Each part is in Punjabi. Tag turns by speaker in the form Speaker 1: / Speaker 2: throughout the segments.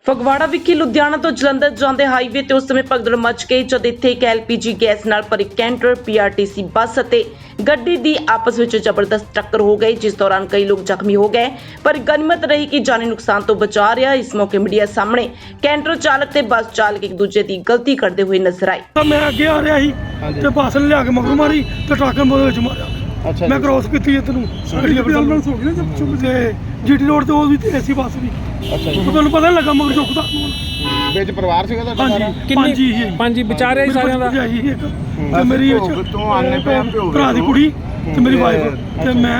Speaker 1: ਫਗਵਾੜਾ ਵਿਖੇ ਲੁਧਿਆਣਾ ਤੋਂ ਜਲੰਧਰ ਜਾਂਦੇ ਹਾਈਵੇ ਤੇ ਉਸ ਸਮੇਂ ਭਗਦੜ ਮਚ ਗਈ ਜਦ ਇੱਥੇ ਇੱਕ LPG ਗੈਸ ਨਾਲ ਭਰੀ ਕੈਂਟਰ PRTC ਬੱਸ ਅਤੇ ਗੱਡੀ ਦੀ ਆਪਸ ਵਿੱਚ ਜ਼ਬਰਦਸਤ ਟੱਕਰ ਹੋ ਗਈ, ਜਿਸ ਦੌਰਾਨ ਕਈ ਲੋਕ ਜ਼ਖਮੀ ਹੋ ਗਏ। ਪਰ ਗਨੀਮਤ ਰਹੀ ਕਿ ਜਾਨੀ ਨੁਕਸਾਨ ਤੋਂ ਬਚਾ ਰਿਹਾ। ਇਸ ਮੌਕੇ ਮੀਡੀਆ ਸਾਹਮਣੇ ਕੈਂਟਰ ਚਾਲਕ ਤੇ ਬੱਸ ਚਾਲਕ ਇੱਕ ਦੂਜੇ ਦੀ ਗਲਤੀ ਕਰਦੇ ਹੋਏ ਨਜ਼ਰ ਆਏ।
Speaker 2: ਮੈਂ ਅੱਗੇ ਆ ਰਿਹਾ ਸੀ ਤੇ ਬੱਸ ਨੇ ਲਿਆ ਕੇ ਮਗਰ ਮਾਰੀ ਤੇ ਟਰੱਕ ਨੇ ਉਹਦੇ ਵਿੱਚ ਮਾਰਿਆ।
Speaker 3: ਅੱਛਾ
Speaker 2: ਮੈਂ ਕ੍ਰੋਸ ਕੀਤੀ ਇੱਧਰ ਨੂੰ ਐਂਬੂਲੈਂਸ ਹੋ ਗਈ ਨਾ ਚੁੱਪ ਤੇ GT ਰੋਡ ਤੇ ਉਹ ਵੀ ਤੇ ਬੱਸ ਵੀ।
Speaker 3: ਅੱਛਾ ਜੀ।
Speaker 2: ਤੁਹਾਨੂੰ ਪਤਾ ਨੀ ਲੱਗਾ ਮਗਰ ਚੁੱਕਦਾ
Speaker 3: ਵਿੱਚ ਪਰਿਵਾਰ ਸੀਗਾ ਤੁਹਾਡਾ ਸਾਰਾ?
Speaker 2: ਪੰਜ
Speaker 4: ਵਿਚਾਰੇ ਸਾਰਿਆਂ ਦਾ
Speaker 2: ਤੇ ਮੇਰੀ
Speaker 3: ਤੋਂ ਆਨੇ ਪਿਆ
Speaker 2: ਭਰਾ ਦੀ ਕੁੜੀ ਤੇ ਮੇਰੀ ਵਾਈਫ ਤੇ ਮੈਂ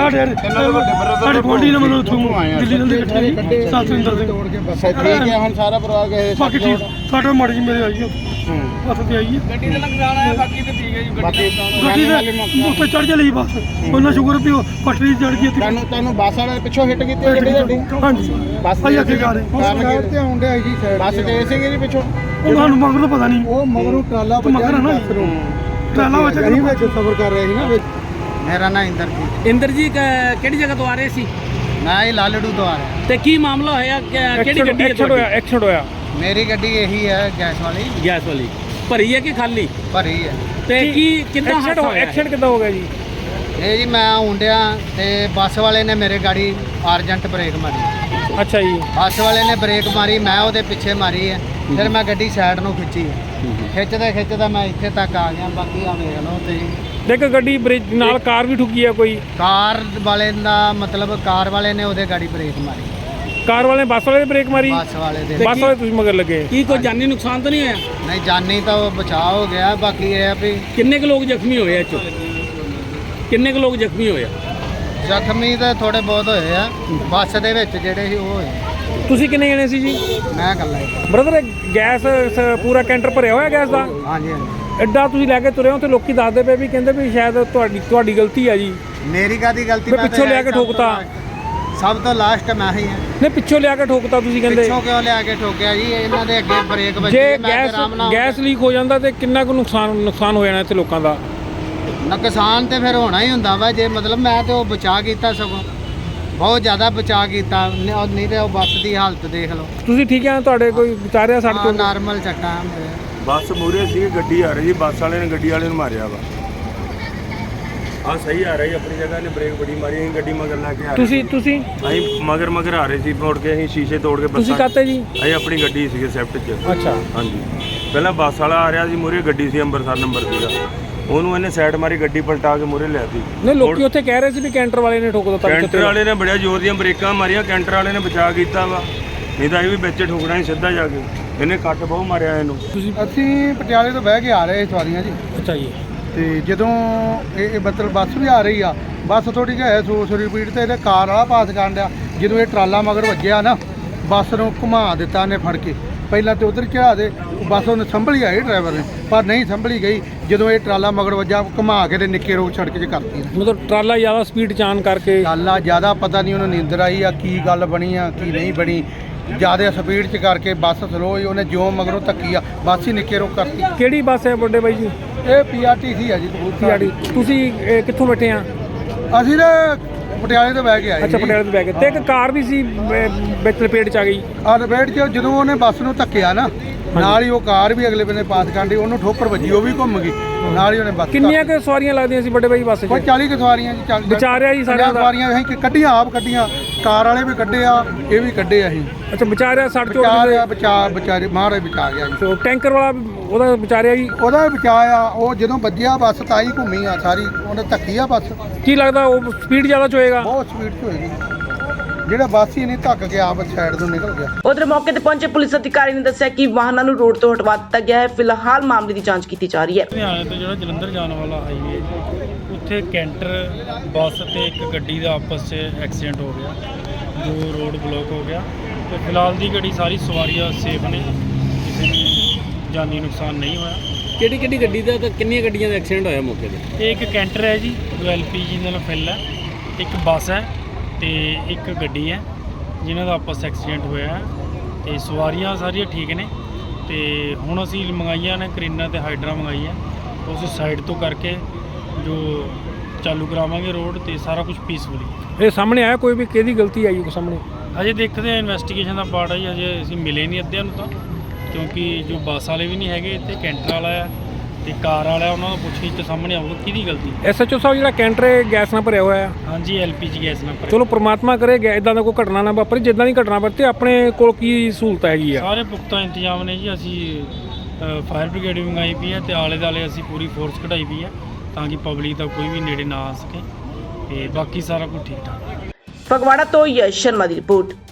Speaker 2: ਸਾਡੇ ਗੋਲਡੀ ਨੇ ਮੈਨੂੰ ਉੱਥੋਂ ਦਿੱਲੀ ਨਾਲ ਇਕੱਠੇ ਸਤਿੰਦਰ ਸਿੰਘ
Speaker 3: ਠੀਕ ਹੈ। ਹੁਣ ਸਾਰਾ ਪਰਿਵਾਰ ਗਏ
Speaker 2: ਬਾਕੀ ਠੀਕ ਸਾਡਾ ਮਾੜੀ ਜੀ ਮੇਰੇ ਆਈ ਹੱਥ ਤੇ ਆਈ ਹੈ।
Speaker 4: ਗੱਡੀ ਦਾ ਨੁਕਸਾਨ ਆਇਆ, ਬਾਕੀ ਤੇ ਠੀਕ ਹੈ ਜੀ।
Speaker 2: ਗੱਡੀ ਦੇ ਉੱਤੇ ਚੜ ਚਲੀ ਬੱਸ, ਉਹਨਾਂ ਸ਼ੁਕਰ ਵੀ ਉਹ ਪਟੜੀ ਚੜ ਗਈ।
Speaker 3: ਤੁਹਾਨੂੰ ਬੱਸ ਵਾਲੇ ਪਿੱਛੋਂ ਹਿੱਟ ਕੀਤੀ ਗੱਡੀ ਤੁਹਾਡੀ?
Speaker 2: ਹਾਂਜੀ
Speaker 3: ਬੱਸ
Speaker 2: ਭਾਈ ਅੱਗੇ ਜਾ ਰਹੇ
Speaker 3: ਕਾਰਨ ਤੇ ਆਉਂਦੇ ਆ ਜੀ ਬੱਸ ਤੇ ਸੀਗੇ ਜੀ ਪਿੱਛੋਂ?
Speaker 2: ਉਹ ਸਾਨੂੰ ਮਗਰ ਤਾਂ ਪਤਾ ਨਹੀਂ,
Speaker 3: ਉਹ ਮਗਰੋਂ ਟਰਾਲਾ
Speaker 2: ਮਗਰ ਨਾ ਟਰਾਲਾ ਵਿੱਚ
Speaker 3: ਸਫ਼ਰ ਕਰ ਰਹੇ ਸੀ ਨਾ। ਮੇਰਾ ਨਾਮ ਇੰਦਰਜੀਤ।
Speaker 4: ਇੰਦਰ ਜੀ ਕਿਹੜੀ ਜਗ੍ਹਾ ਤੋਂ ਆ ਰਹੇ ਸੀ?
Speaker 3: ਮੈਂ ਇਹ ਲਾਲੜੂ ਤੋਂ ਆ ਰਿਹਾ।
Speaker 4: ਤੇ ਕੀ ਮਾਮਲਾ ਹੋਇਆ? ਕਿਹੜੀ ਗੱਡੀ ਹੈ ਤੁਹਾਡੀ?
Speaker 2: ਐਕਸੀਡੈਂਟ ਹੋਇਆ।
Speaker 3: ਮੇਰੀ ਗੱਡੀ ਇਹੀ ਹੈ ਗੈਸ ਵਾਲੀ,
Speaker 4: ਗੈਸ ਵਾਲੀ। ਭਰੀ ਹੈ ਕਿ ਖਾਲੀ?
Speaker 3: ਭਰੀ ਹੈ।
Speaker 4: ਤੇ ਕੀ ਕਿੰਨਾ ਹਾਦਸਾ ਹੋਇਆ?
Speaker 2: ਐਕਸੀਡੈਂਟ ਕਿੱਦਾਂ ਹੋ ਗਿਆ ਜੀ?
Speaker 3: ਇਹ ਜੀ ਮੈਂ ਹੁੰਡਿਆ ਤੇ ਬੱਸ ਵਾਲੇ ਨੇ ਮੇਰੇ ਗਾੜੀ ਅਰਜੈਂਟ ਬ੍ਰੇਕ ਮਾਰੀ।
Speaker 2: ਅੱਛਾ ਜੀ।
Speaker 3: ਬੱਸ ਵਾਲੇ ਨੇ ਬ੍ਰੇਕ ਮਾਰੀ, ਮੈਂ ਉਹਦੇ ਪਿੱਛੇ ਮਾਰੀ ਹੈ। ਫਿਰ ਮੈਂ ਗੱਡੀ ਸਾਈਡ ਨੂੰ ਖਿੱਚੀ, ਖਿੱਚਦਾ ਮੈਂ ਇੱਥੇ ਤੱਕ ਆ ਗਿਆ। ਬਾਕੀ ਆ ਵੇਖ ਲਓ ਤੁਸੀਂ।
Speaker 2: ਦੇਖ ਗੱਡੀ ਬ੍ਰੇਕ ਨਾਲ ਕਾਰ ਵੀ ਠੁੱਕੀ ਆ ਕੋਈ?
Speaker 3: ਕਾਰ ਵਾਲੇ ਦਾ ਮਤਲਬ ਕਾਰ ਵਾਲੇ ਨੇ ਉਹਦੇ ਗਾੜੀ ਬ੍ਰੇਕ ਮਾਰੀ।
Speaker 2: ਕਾਰ ਵਾਲੇ ਬੱਸ ਵਾਲੇ ਨੇ ਬ੍ਰੇਕ ਮਾਰੀ?
Speaker 3: ਬੱਸ ਵਾਲੇ ਦੇ।
Speaker 2: ਬੱਸ ਵਾਲੇ ਤੁਸੀਂ ਮਗਰ ਲੱਗੇ?
Speaker 4: ਕੀ ਕੋਈ ਜਾਨੀ ਨੁਕਸਾਨ ਤਾਂ ਨਹੀਂ ਹੋਇਆ?
Speaker 3: ਨਹੀਂ, ਜਾਨੀ ਤਾਂ ਬਚਾਅ ਹੋ ਗਿਆ। ਬਾਕੀ ਇਹ ਆ ਵੀ
Speaker 4: ਕਿੰਨੇ ਕੁ ਲੋਕ ਜ਼ਖਮੀ ਹੋਏ ਇਹ 'ਚੋਂ? ਕਿੰਨੇ ਕੁ ਲੋਕ ਜ਼ਖਮੀ ਹੋਏ?
Speaker 3: ਜ਼ਖਮੀ ਤਾਂ ਥੋੜੇ ਬਹੁਤ ਹੋਏ ਆ ਬੱਸ ਦੇ ਵਿੱਚ, ਜਿਹੜੇ ਸੀ ਉਹ ਹੋਏ।
Speaker 2: ਤੁਸੀਂ ਕਿੰਨੇ ਜਣੇ ਸੀ ਜੀ?
Speaker 3: ਮੈਂ ਇਕੱਲਾ ਹੀ।
Speaker 2: ਬ੍ਰਦਰ ਗੈਸ ਪੂਰਾ ਕੈਂਟਰ ਭਰਿਆ ਹੋਇਆ ਗੈਸ ਦਾ?
Speaker 3: ਹਾਂਜੀ ਹਾਂਜੀ।
Speaker 2: ਐਡਾ ਤੁਸੀਂ ਲੈ ਕੇ ਤੁਰੇ ਹੋ ਤੇ ਲੋਕੀ ਦੱਸਦੇ ਪਏ ਵੀ ਕਹਿੰਦੇ ਵੀ ਸ਼ਾਇਦ ਤੁਹਾਡੀ ਗਲਤੀ ਆ ਜੀ।
Speaker 3: ਮੇਰੀ ਕਾਹਦੀ ਗਲਤੀ?
Speaker 2: ਮੈਂ ਪਿੱਛੋਂ ਲਿਆ ਕੇ ਠੋਕਤਾ।
Speaker 3: ਸਭ ਤੋਂ ਲਾਸਟ ਮੈਂ ਹੀ ਹਾਂ।
Speaker 2: ਨਹੀਂ, ਪਿੱਛੋਂ ਲਿਆ ਕੇ ਠੋਕਤਾ ਤੁਸੀਂ ਕਹਿੰਦੇ?
Speaker 3: ਪਿੱਛੋਂ ਕਿਉਂ ਲਿਆ ਕੇ ਠੋਕਿਆ ਜੀ? ਇਹਨਾਂ ਦੇ ਅੱਗੇ ਬ੍ਰੇਕ ਵੱਜੀ।
Speaker 2: ਜੇ
Speaker 3: ਮੈਂ ਆਰਾਮ ਨਾਲ
Speaker 2: ਗੈਸ ਲੀਕ ਹੋ ਜਾਂਦਾ ਤੇ ਕਿੰਨਾ ਕੁ ਨੁਕਸਾਨ ਹੋ ਜਾਣਾ ਇੱਥੇ ਲੋਕਾਂ ਦਾ?
Speaker 3: ਨੁਕਸਾਨ ਤੇ ਫਿਰ ਹੋਣਾ ਹੀ ਹੁੰਦਾ ਵਾ। ਜੇ ਮਤਲਬ ਮੈਂ ਤੇ ਉਹ ਬਚਾ ਕੀਤਾ, ਸਗੋਂ ਬਹੁਤ ਜ਼ਿਆਦਾ ਬਚਾ ਕੀਤਾ। ਨਹੀਂ ਤੇ ਉਹ ਬੱਸ ਦੀ ਹਾਲਤ ਦੇਖ ਲਓ।
Speaker 2: ਤੁਸੀਂ ਠੀਕ ਆ? ਤੁਹਾਡੇ ਕੋਈ ਵਿਚਾਰਿਆ ਸੜਕ ਤੋਂ?
Speaker 3: ਨਾਰਮਲ ਚੱਕਾ।
Speaker 5: ਬੱਸ ਮੂਹਰੇ ਸੀ, ਗੱਡੀ ਆ ਰਹੀ ਸੀ, ਬੱਸ ਵਾਲੇ ਨੇ ਗੱਡੀ ਵਾਲੇ ਨੂੰ ਮਾਰਿਆ ਵਾ। ਆ ਸਹੀ ਆ ਰਹੀ ਆਪਣੀ ਜਗ੍ਹਾ, ਨੇ ਬ੍ਰੇਕ ਬੜੀ ਮਾਰੀ। ਅਸੀਂ ਗੱਡੀ ਮਗਰ ਲਾ ਕੇ ਆ ਰਹੇ
Speaker 2: ਤੁਸੀਂ
Speaker 5: ਅਸੀਂ ਮਗਰ ਆ ਰਹੇ ਸੀ। ਮੋੜ ਕੇ ਅਸੀਂ ਸ਼ੀਸ਼ੇ ਤੋੜ ਕੇ
Speaker 2: ਤੁਸੀਂ ਕਾਤੇ ਜੀ?
Speaker 5: ਅਸੀਂ ਆਪਣੀ ਗੱਡੀ ਸੀਗੇ ਸਵਿਫਟ 'ਚ।
Speaker 2: ਅੱਛਾ।
Speaker 5: ਹਾਂਜੀ, ਪਹਿਲਾਂ ਬੱਸ ਵਾਲਾ ਆ ਰਿਹਾ ਸੀ, ਮੂਹਰੇ ਗੱਡੀ ਸੀ, ਅੰਮ੍ਰਿਤਸਰ ਨੰਬਰ ਸੀਗਾ। ਉਹਨੂੰ ਇਹਨੇ ਸਾਈਡ ਮਾਰੀ, ਗੱਡੀ ਪਲਟਾ ਕੇ ਮੂਹਰੇ ਲਿਆਤੀ।
Speaker 2: ਨਹੀਂ, ਲੋਕੀ ਉੱਥੇ ਕਹਿ ਰਹੇ ਸੀ ਵੀ ਕੈਂਟਰ ਵਾਲੇ ਨੇ ਠੋਕ ਦਿੱਤਾ।
Speaker 5: ਕੈਂਟਰ ਵਾਲੇ ਨੇ ਬੜਿਆ ਜ਼ੋਰ ਦੀਆਂ ਬ੍ਰੇਕਾਂ ਮਾਰੀਆਂ, ਕੈਂਟਰ ਵਾਲੇ ਨੇ ਬਚਾ ਕੀਤਾ ਵਾ। ਨਹੀਂ ਤਾਂ ਇਹ ਵੀ ਵਿੱਚ ਠੋਕਣਾ ਹੀ ਸਿੱਧਾ ਜਾ ਕੇ। ਇਹਨੇ ਕੱਟ ਬਹੁਤ ਮਾਰਿਆ ਇਹਨੂੰ।
Speaker 3: ਅਸੀਂ ਪਟਿਆਲੇ ਤੋਂ ਬਹਿ ਕੇ ਆ ਰਹੇ ਸਵਾਰੀਆਂ ਜੀ।
Speaker 2: ਅੱਛਾ ਜੀ।
Speaker 3: ਤੇ ਜਦੋਂ ਇਹ ਮਤਲਬ ਬੱਸ ਵੀ ਆ ਰਹੀ ਆ, ਬੱਸ ਥੋੜੀ ਜਿਹੀ ਹੈ 100 ਸਪੀਡ ਤੇ ਇਹਨੇ ਕਾਰ ਵਾਲਾ ਪਾਸ ਕਰਨ ਡਿਆ। ਜਦੋਂ ਇਹ ਟਰਾਲਾ ਮਗਰ ਵੱਜਿਆ ਨਾ, ਬੱਸ ਨੂੰ ਘੁਮਾ ਦਿੱਤਾ ਇਹਨੇ ਫੜ ਕੇ। ਪਹਿਲਾਂ ਤੇ ਉਧਰ ਚੜਾ ਦੇ, ਬੱਸ ਉਹਨੇ ਸੰਭਲੀ ਆਈ ਡਰਾਈਵਰ ਨੇ, ਪਰ ਨਹੀਂ ਸੰਭਲੀ ਗਈ। ਜਦੋਂ ਇਹ ਟਰਾਲਾ ਮਗਰ ਵੱਜਾ, ਘੁਮਾ ਕੇ ਤੇ ਨਿੱਕੇ ਰੋਡ ਸੜਕ 'ਚ ਕਰਤੀ।
Speaker 2: ਮਤਲਬ ਟਰਾਲਾ ਜ਼ਿਆਦਾ ਸਪੀਡ ਚਾਨ ਕਰਕੇ?
Speaker 3: ਟਰਾਲਾ ਜ਼ਿਆਦਾ ਪਤਾ ਨਹੀਂ ਉਹਨੂੰ ਨੀਂਦਰ ਆਈ ਆ, ਕੀ ਗੱਲ ਬਣੀ ਆ ਕੀ ਨਹੀਂ ਬਣੀ। ਜ਼ਿਆਦਾ ਸਪੀਡ 'ਚ ਕਰਕੇ ਬੱਸ ਸਲੋ ਹੀ, ਉਹਨੇ ਜਿਉਂ ਮਗਰੋਂ ਧੱਕੀ ਆ, ਬੱਸ ਹੀ ਨਿੱਕੇ ਰੋਕ ਕਰਤੀ।
Speaker 2: ਕਿਹੜੀ ਬੱਸ ਹੈ ਵੱਡੇ ਬਾਈ ਜੀ?
Speaker 3: ਇਹ PRTC ਆ ਜੀ, ਕਪੂਰਥਲਾ।
Speaker 2: ਤੁਸੀਂ ਕਿੱਥੋਂ ਬੈਠੇ ਆ?
Speaker 3: ਅਸੀਂ ਨਾ ਪਟਿਆਲੇ ਤੋਂ ਬਹਿ ਕੇ ਆਏ।
Speaker 2: ਅੱਛਾ, ਪਟਿਆਲੇ ਤੋਂ ਬੈ ਕੇ। ਤੇ ਇੱਕ ਕਾਰ ਵੀ ਸੀ ਵਿੱਚ ਲਪੇਟ 'ਚ ਆ ਗਈ?
Speaker 3: ਆ ਲਪੇਟ 'ਚ ਜਦੋਂ ਉਹਨੇ ਬੱਸ ਨੂੰ ਧੱਕਿਆ ਨਾ, ਨਾਲ ਹੀ ਉਹ ਕਾਰ ਵੀ ਅਗਲੇ ਬੰਨੇ ਪਾਸ ਕਰਨ ਡਈ, ਉਹਨੂੰ ਠੋਕਰ ਵੱਜੀ, ਉਹ ਵੀ ਘੁੰਮ ਗਈ। ਨਾਲ ਹੀ ਉਹਨੇ ਬੱਸ।
Speaker 2: ਕਿੰਨੀਆਂ ਕੁ ਸਵਾਰੀਆਂ ਲੱਗਦੀਆਂ ਸੀ ਵੱਡੇ ਬਾਈ ਬੱਸ 'ਚ?
Speaker 3: ਕੋਈ 40 ਕੁ ਸਵਾਰੀਆਂ ਜੀ।
Speaker 2: ਵਿਚਾਰਿਆ ਜੀ ਸਾਰਿਆਂ ਦਾ?
Speaker 3: ਸਵਾਰੀਆਂ ਅਸੀਂ ਕੱਢੀਆਂ, ਆਪ ਕੱਢੀਆਂ, ਕਾਰ ਵਾਲੇ ਵੀ ਕੱਢੇ ਆ, ਇਹ ਵੀ ਕੱਢੇ ਅਸੀਂ।
Speaker 2: ਅੱਛਾ, ਵਿਚਾਰਿਆ ਸੜ ਚੋਟ?
Speaker 3: ਵਿਚਾਰੇ ਮਹਾਰਾਜ ਬਚਾ ਗਿਆ ਜੀ।
Speaker 2: ਟੈਂਕਰ ਵਾਲਾ ਉਹਦਾ ਵਿਚਾਰਿਆ ਜੀ?
Speaker 3: ਉਹਦਾ ਵੀ ਬਚਾਇਆ। ਉਹ ਜਦੋਂ ਵੱਜਿਆ ਬੱਸ ਤਾਂ ਹੀ ਘੁੰਮੀ ਆ ਸਾਰੀ, ਉਹਨੇ ਧੱਕੀ ਆ ਬੱਸ।
Speaker 2: ਕੀ ਲੱਗਦਾ ਉਹ ਸਪੀਡ ਜ਼ਿਆਦਾ ਚ ਹੋਏਗਾ?
Speaker 3: ਬਹੁਤ ਸਪੀਡ 'ਚ ਹੋਏਗੀ। ਜਿਹੜਾ ਬੱਸ ਹੀ ਨਹੀਂ ਧੱਕ ਕੇ ਆਪ ਸਾਈਡ ਤੋਂ ਨਿਕਲ ਗਿਆ।
Speaker 1: ਉਧਰ ਮੌਕੇ ਤੇ ਪਹੁੰਚੇ ਪੁਲਿਸ ਅਧਿਕਾਰੀ ਨੇ ਦੱਸਿਆ ਕਿ ਵਾਹਨਾਂ ਨੂੰ ਰੋਡ ਤੋਂ ਹਟਵਾ ਦਿੱਤਾ ਗਿਆ ਹੈ। ਫਿਲਹਾਲ ਮਾਮਲੇ ਦੀ ਜਾਂਚ ਕੀਤੀ ਜਾ ਰਹੀ ਹੈ।
Speaker 2: ਲੁਧਿਆਣੇ ਤੋਂ ਜਿਹੜਾ ਜਲੰਧਰ ਜਾਣ ਵਾਲਾ ਹਾਈਵੇ, ਉੱਥੇ ਕੈਂਟਰ ਬੱਸ ਤੇ ਇੱਕ ਗੱਡੀ ਦਾ ਆਪਸ 'ਚ ਐਕਸੀਡੈਂਟ ਹੋ ਗਿਆ, ਜੋ ਰੋਡ ਬਲੌਕ ਹੋ ਗਿਆ। ਤੇ ਫਿਲਹਾਲ ਦੀ ਗੱਡੀ ਸਾਰੀ ਸਵਾਰੀਆਂ ਸੇਫ ਨੇ, ਕਿਸੇ ਨੂੰ ਜਾਨੀ ਨੁਕਸਾਨ ਨਹੀਂ ਹੋਇਆ।
Speaker 4: ਕਿਹੜੀ ਗੱਡੀ ਦਾ ਤੇ ਕਿੰਨੀਆਂ ਗੱਡੀਆਂ ਦਾ ਐਕਸੀਡੈਂਟ ਹੋਇਆ ਮੌਕੇ ਤੇ?
Speaker 2: ਇਹ ਇੱਕ ਕੈਂਟਰ ਹੈ ਜੀ, ਜੋ LPG ਨਾਲ ਫਿਲ ਹੈ। ਇੱਕ ਬੱਸ ਹੈ ਤੇ ਇੱਕ ਗੱਡੀ ਹੈ, ਜਿਨ੍ਹਾਂ ਦਾ ਆਪਸ ਐਕਸੀਡੈਂਟ ਹੋਇਆ ਹੈ। ਤੇ ਸਵਾਰੀਆਂ ਸਾਰੀਆਂ ਠੀਕ ਨੇ। ਤੇ ਹੁਣ ਅਸੀਂ ਮੰਗਾਈਆਂ ਨੇ ਕਰੀਨਾ ਤੇ ਹਾਈਡਰਾ ਮੰਗਾਈ ਹੈ, ਉਸ ਸਾਈਡ ਤੋਂ ਕਰਕੇ ਜੋ ਚਾਲੂ ਕਰਾਵਾਂਗੇ ਰੋਡ, ਤੇ ਸਾਰਾ ਕੁਝ ਪੀਸਫੁਲੀ। ਇਹ ਸਾਹਮਣੇ ਆਇਆ ਕੋਈ ਵੀ ਕਿਹਦੀ ਗਲਤੀ ਆਈ ਕੋਈ ਸਾਹਮਣੇ? ਹਜੇ ਦੇਖਦੇ ਆ, ਇਨਵੈਸਟੀਗੇਸ਼ਨ ਦਾ ਪਾਰਟ ਹੈ ਜੀ। ਹਜੇ ਅਸੀਂ ਮਿਲੇ ਨਹੀਂ ਅੱਧਿਆਂ ਨੂੰ ਤਾਂ, ਕਿਉਂਕਿ ਜੋ ਬੱਸ ਵਾਲੇ ਵੀ ਨਹੀਂ ਹੈਗੇ ਇੱਥੇ, ਕੈਂਟਰ ਵਾਲਾ ਆ ਤੇ ਕਾਰ ਵਾਲਾ, ਉਹਨਾਂ ਨੂੰ ਪੁੱਛਗਿੱਛ ਤੇ ਸਾਹਮਣੇ ਆਊਗਾ ਕਿਹਦੀ ਗਲਤੀ।
Speaker 4: ਐਸਐਚਓ ਸਾਹਿਬ ਜਿਹੜਾ ਕੈਂਟਰ ਹੈ ਗੈਸ ਨਾਲ ਭਰਿਆ ਹੋਇਆ ਹੈ,
Speaker 2: ਹਾਂਜੀ LPG ਗੈਸ ਨਾਲ ਭਰਿਆ।
Speaker 4: ਚਲੋ ਪ੍ਰਮਾਤਮਾ ਕਰੇ ਇਦਾਂ ਦਾ ਕੋਈ ਘਟਨਾ ਨਾ ਵਾਪਰੇ। ਜਿੱਦਾਂ ਦੀ ਘਟਨਾ ਵਾਪਰੇ ਆਪਣੇ ਕੋਲ ਕੀ ਸਹੂਲਤ ਹੈਗੀ ਆ?
Speaker 2: ਸਾਰੇ ਪੁਖਤਾ ਇੰਤਜ਼ਾਮ ਨੇ ਜੀ। ਅਸੀਂ ਫਾਇਰ ਬ੍ਰਿਗੇਡ ਵੀ ਮੰਗਾਈ ਪਈ ਹੈ ਤੇ ਆਲੇ ਦੁਆਲੇ ਅਸੀਂ ਪੂਰੀ ਫੋਰਸ ਕਢਾਈ ਪਈ ਹੈ ਤਾਂ ਕਿ ਪਬਲਿਕ ਦਾ ਕੋਈ ਵੀ ਨੇੜੇ ਨਾ ਆ ਸਕੇ, ਤੇ ਬਾਕੀ ਸਾਰਾ ਕੁਝ ਠੀਕ ਠਾਕ।
Speaker 1: ਫਗਵਾੜਾ ਤੋਂ ਯਸ਼ ਸ਼ਰਮਾ ਦੀ ਰਿਪੋਰਟ।